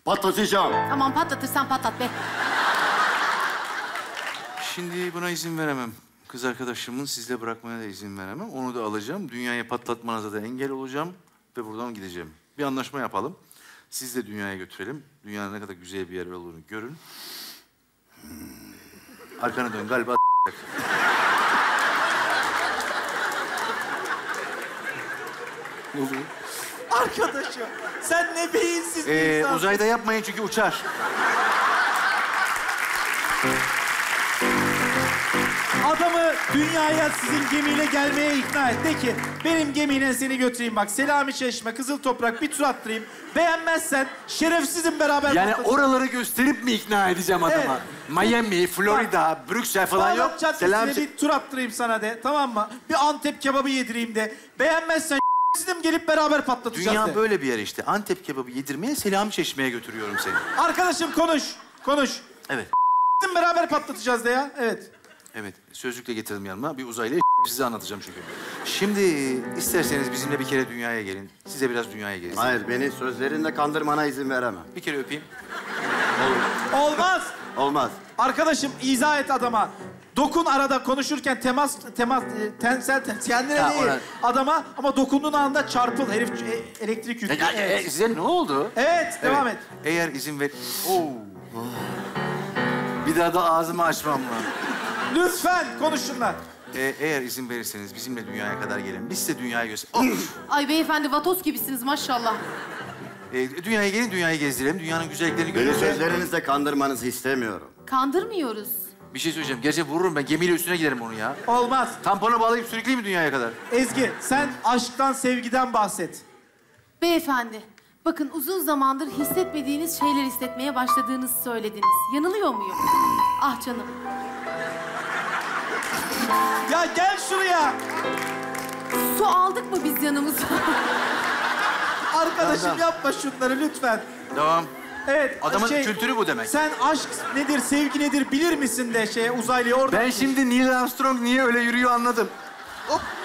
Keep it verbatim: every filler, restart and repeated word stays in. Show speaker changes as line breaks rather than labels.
Patlatacağım.
Tamam patlatırsan patlat be.
Şimdi buna izin veremem. Kız arkadaşımın sizle bırakmaya da izin veremem. Onu da alacağım. Dünyayı patlatmanıza da engel olacağım. Ve buradan gideceğim. Bir anlaşma yapalım. Siz de dünyaya götürelim. Dünyanın ne kadar güzel bir yer olduğunu görün. Hmm. Arkana dön galiba. Ne oluyor?
Arkadaşım, sen ne beyinsiz bir
Ee,
insansın.
uzayda yapmayın çünkü uçar.
Adamı dünyaya sizin gemiyle gelmeye ikna et. De ki, benim gemiyle seni götüreyim bak. Selami Çeşme, Kızıl Toprak bir tur attırayım. Beğenmezsen şerefsizim beraber
Yani
patlatacağız.
oraları gösterip mi ikna edeceğim adama?
Evet.
Miami, Florida, Brüksel falan yok.
Bağdat Caddesi'ne
Selam.
bir tur attırayım sana de, tamam mı? Bir Antep kebabı yedireyim de. Beğenmezsen şerefsizim gelip beraber patlatacağız
Dünya
de.
böyle bir yer işte. Antep kebabı yedirmeye, Selami Çeşme'ye götürüyorum seni.
Arkadaşım konuş, konuş.
Evet.
Beraber patlatacağız de ya, evet.
Evet, sözlükle getirdim yanıma. Bir uzaylı size anlatacağım çünkü. Şimdi isterseniz bizimle bir kere dünyaya gelin. Size biraz dünyaya gelin.
Hayır, beni sözlerinle kandırmana izin veremem.
Bir kere öpeyim.
Olmaz.
Olmaz.
Arkadaşım izah et adama. Dokun arada konuşurken temas, temas, e, tensel, ten- kendine
Ha,
değil
ona-
adama ama dokunduğun anda çarpıl. Herif e, elektrik yüklü.
E, e,
Evet.
size ne oldu?
Evet, devam et.
Eğer izin ver... Oo. Bir daha da ağzımı açmam lan.
Lütfen konuş şunlar.
E, eğer izin verirseniz bizimle dünyaya kadar gelin. Biz size dünyayı göster... Of!
Ay beyefendi vatoz gibisiniz maşallah.
E, dünyaya gelin, dünyayı gezdirelim. Dünyanın güzelliklerini
Beni
görün.
sözlerinizle kandırmanızı istemiyorum.
Kandırmıyoruz.
Bir şey söyleyeceğim. Gerçi vururum ben. Gemiyle üstüne giderim onu ya.
Olmaz.
Tampona bağlayıp sürükleyeyim mi dünyaya kadar?
Ezgi, sen aşktan, sevgiden bahset.
Beyefendi, bakın uzun zamandır hissetmediğiniz şeyler hissetmeye başladığınızı söylediniz. Yanılıyor muyum? Ah canım.
Ya gel şuraya.
Su aldık mı biz yanımıza?
Arkadaşım
Tamam.
yapma şunları lütfen.
Devam.
Evet.
Adamın
şey,
kültürü bu demek.
Sen aşk nedir, sevgi nedir bilir misin de şeye uzaylıya orada.
Ben şimdi Neil Armstrong niye öyle yürüyor anladım. Hop.